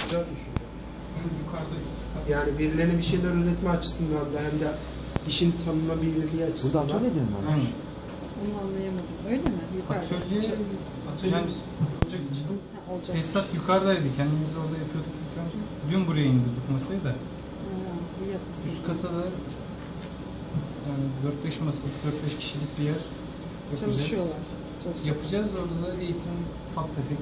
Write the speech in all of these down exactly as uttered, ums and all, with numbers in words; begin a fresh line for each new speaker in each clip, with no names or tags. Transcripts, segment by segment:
güzel düşünce.
Yukarıda
yani birilerine bir şeyler öğretme açısından da hem de işin tanınabilirliği açısından.
Burada atölye mi var?
Onu anlayamadım. Öyle mi? Yukarıda.
Atölye, atölyemiz olacak için.
Ha, olacak.
Tesisat yukarıdaydı. Kendimiz orada yapıyorduk ilk önce. Dün buraya indirdik masayı da.
Ha, iyi yapmışsınız.
Üst kata da yani dört beş masalık, dört beş kişilik bir yer yapacağız.
Çalışıyorlar.
Yapacağız. Orada da eğitim ufak tefek.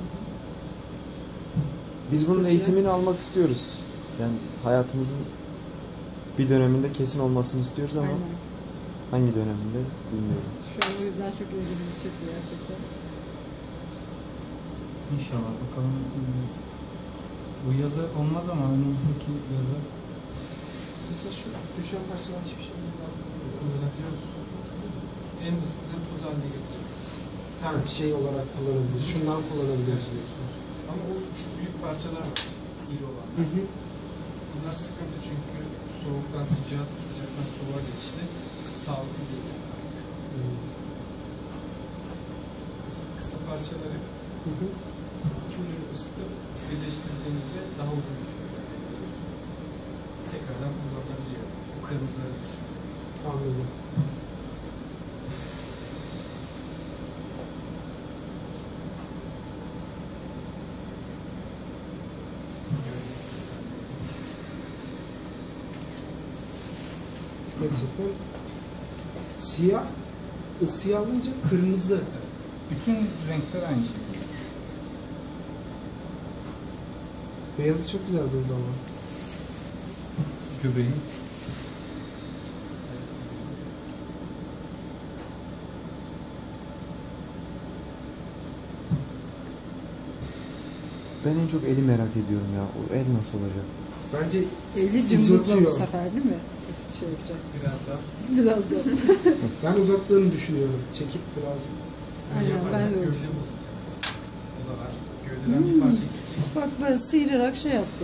Biz bunun eğitimini almak istiyoruz. Yani hayatımızın bir döneminde kesin olmasını istiyoruz ama
Aynen.
hangi döneminde bilmiyorum.
Şu an o yüzden çok ilgimizi çekiyor gerçekten.
İnşallah bakalım. Bu yaza olmaz ama önümüzdeki yaza.
Mesela şu düşen parçalar hiçbir şey
kullanabiliyoruz. En basitinden toz haline getiririz.
Yani şey olarak kullanabiliriz. Şundan kullanabiliriz diyorsunuz.
Ama o şu büyük parçalar var. İri olan.
Hı hı.
Bunlar sıkıntı çünkü soğuktan sıcağa, sıcaktan soğuğa geçti. Sağlıklı değil.
Hı.
Mesela kısa parçaları
Hı hı.
iki ucunu ısıtıp birleştirdiğimizde daha uzun bir çubuk elde ediyoruz. Tekrardan kullanılabiliyor. Bu kırmızıları düşün.
Anladım. Gerçekten siyah ısıya alınca kırmızı.
Bütün renkler aynı şekilde.
Beyazı çok güzel durdu ama.
Göbeği.
Ben en çok eli merak ediyorum ya. O el nasıl olacak?
Bence
Eli cımbızla bu
uzatıyor.
sefer değil mi? Şey yapacak.
Biraz daha.
Biraz da.
Ben uzattığını düşünüyorum. Çekip birazcık.
Aynen,
Yaparsak
ben de öyle
gövde
düşünüyorum.
bozulacak. O da var. Gövdeden bir parça gidecek.
Bak böyle sıyırarak şey yaptı.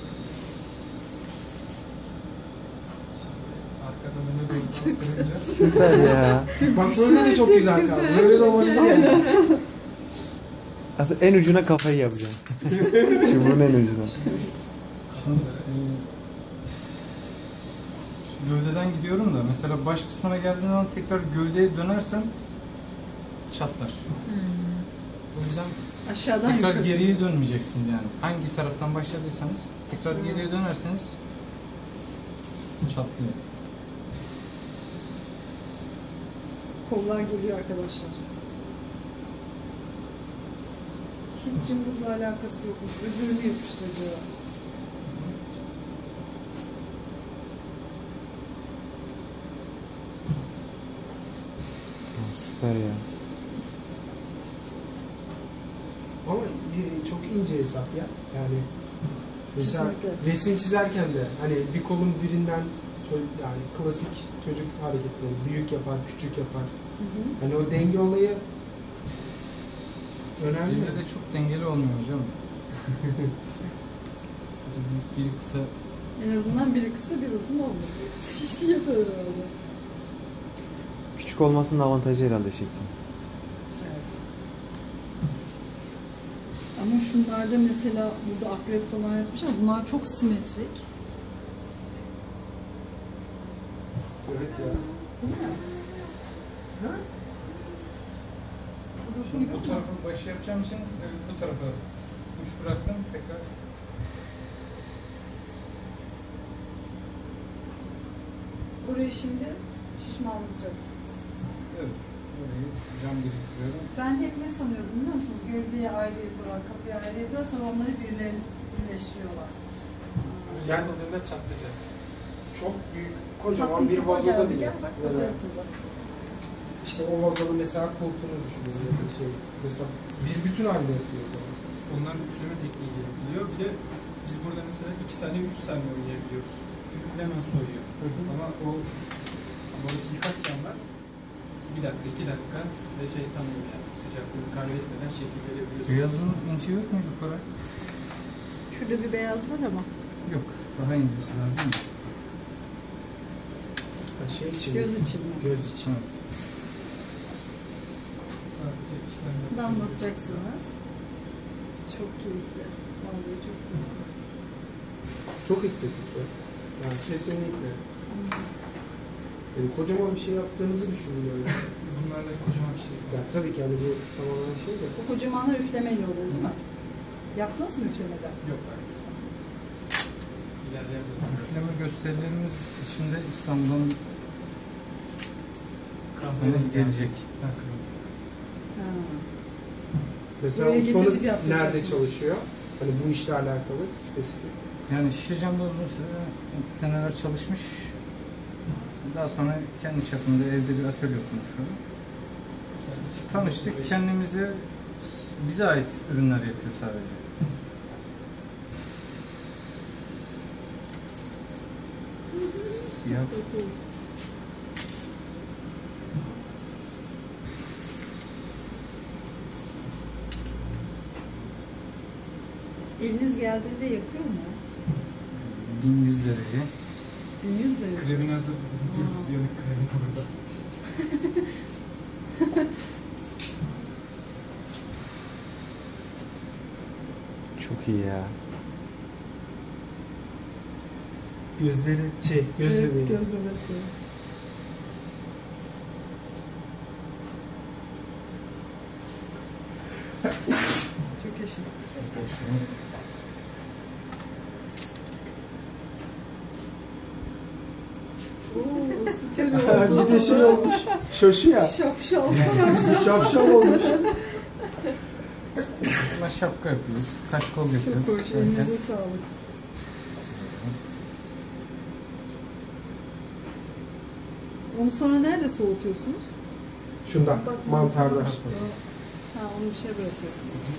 Arkadan öne doğru bastırınca
Süper ya.
Bak böyle de çok güzel kaldı. Böyle de olabilir yani.
Aslında en ucuna kafayı yapacağım. Çubuğun en ucuna.
Şimdi e, şu gövdeden gidiyorum da mesela baş kısmına geldiğin zaman tekrar gövdeye dönersen çatlar.
Hmm.
O yüzden
Aşağıdan
tekrar
yukarı.
geriye dönmeyeceksin yani. Hangi taraftan başladıysanız tekrar
Hmm.
geriye dönerseniz çatlıyor.
Kollar geliyor arkadaşlar. Hiç cımbızla alakası yokmuş. Öbürünü yapıştırıyor.
Süper ya.
Ama e, çok ince hesap ya. Yani mesela
Kesinlikle.
resim çizerken de hani bir kolun birinden ço- yani klasik çocuk hareketleri büyük yapar, küçük yapar.
Hı hı.
Hani o denge olayı önemli.
Bizde de çok dengeli olmuyor hocam. Biri kısa.
En azından biri kısa bir uzun olması. Yeter herhalde.
Küçük olmasının avantajı herhalde şekli.
Evet. Ama şunlarda mesela burada akrep falan yapmışlar. Bunlar çok simetrik.
Evet ya.
Değil mi?
Ha?
Şimdi bu tarafı başı yapacağım için bu tarafa uç bıraktım tekrar.
Burayı şimdi şişmanlayacaksınız.
Evet. Burayı cam biriktiriyorum.
Ben hep ne sanıyordum biliyor musunuz? Gövdeyi ayrı yapıyorlar, kapıyı ayrı yapıyorlar, sonra onları birilerine birleştiriyorlar.
böyle
Yani-
yapıldığında çatlayacak.
Çok büyük, kocaman
Tatlım
bir
kafa
vazoda
geldi,
bile.
gel bak kafa
Böyle
yapıldı.
işte o vazonun mesela kulpunu düşünüyorum ya da şey. Mesela bir bütün halde yapıyor. o zaman.
Onların üfleme tekniği yapılıyor. Bir de biz burada mesela iki saniye, üç saniye oynayabiliyoruz. Çünkü hemen soğuyor.
Hı hı.
Ama o burası yıkak camlar bir dakika, iki dakika size şey tanıyor yani sıcaklığını kaybetmeden şekil verebiliyorsunuz.
Beyazınız ince yok mu yukarı?
Şurada bir beyaz var ama.
Yok. Daha incesi lazım mı?
Ha, şey için.
Göz için mi?
Göz için.
Evet.
Sadece işlemler.
Damlatacaksınız. Çok keyifli. Vallahi çok keyifli.
Çok estetik ya. Yani kesinlikle. Yani kocaman bir şey yaptığınızı düşünün böyle.
Bunlarla kocaman bir şey.
Ya tabii ki hani bu tamamen şey de.
O kocamanlar üflemeyle oluyor değil mi? Yaptınız mı üflemeden?
Yok hayır. İlerleyen zaman.
Üfleme gösterilerimiz içinde İstanbul'dan
Kahveniz
henüz gelecek.
Ha, kırmızı.
Ha.
Mesela
Buraya
ustanız
getirip yaptıracaksınız.
nerede çalışıyor? Hani bu işle alakalı spesifik.
Yani şişe camda uzun süre, seneler çalışmış. Daha sonra kendi çapında evde bir atölye kurmuş. Tanıştık, kendimize bize ait ürünler yapıyor sadece. Siyah.
Eliniz geldiğinde yakıyor mu?
bin yüz derece.
bin yüz derece.
Kremin hazır. Diyoruz yanık kremin burada.
Çok iyi ya.
Gözleri şey, göz
Evet,
bebeği.
göz bebeği. Çok yaşa. Oo, süper oldu.
Bir de şey olmuş. Şaşı ya.
Şapşal. Şapşal.
Şapşal olmuş.
Buna şapka yapıyoruz, kaş kol
Çok
yapıyoruz.
hoş. Elinize sağlık. Onu sonra nerede soğutuyorsunuz?
Şundan, mantarda.
Ha, onu dışarı bırakıyorsunuz.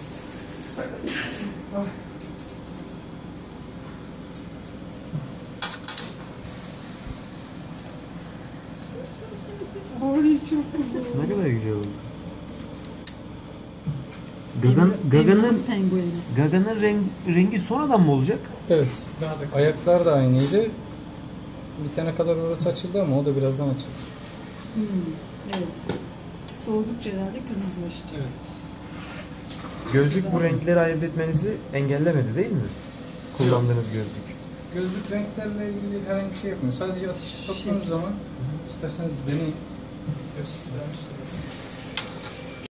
Ay çok güzel.
Ne kadar güzel oldu. Gagan, Gaga'nın
pengueni.
Gaga'nın renk, rengi sonradan mı olacak?
Evet,
Daha da
ayaklar da aynıydı. Bitene kadar orası açıldı ama o da birazdan açılır.
Hmm, evet. Soğudukça herhalde kırmızılaşacak.
Evet.
Gözlük bu renkleri ayırt etmenizi engellemedi değil mi? Kullandığınız gözlük.
Gözlük renklerle ilgili herhangi bir şey yapmıyor. Sadece ateşi soktuğunuz
Şey.
zaman isterseniz deneyin.
Göstermiştim.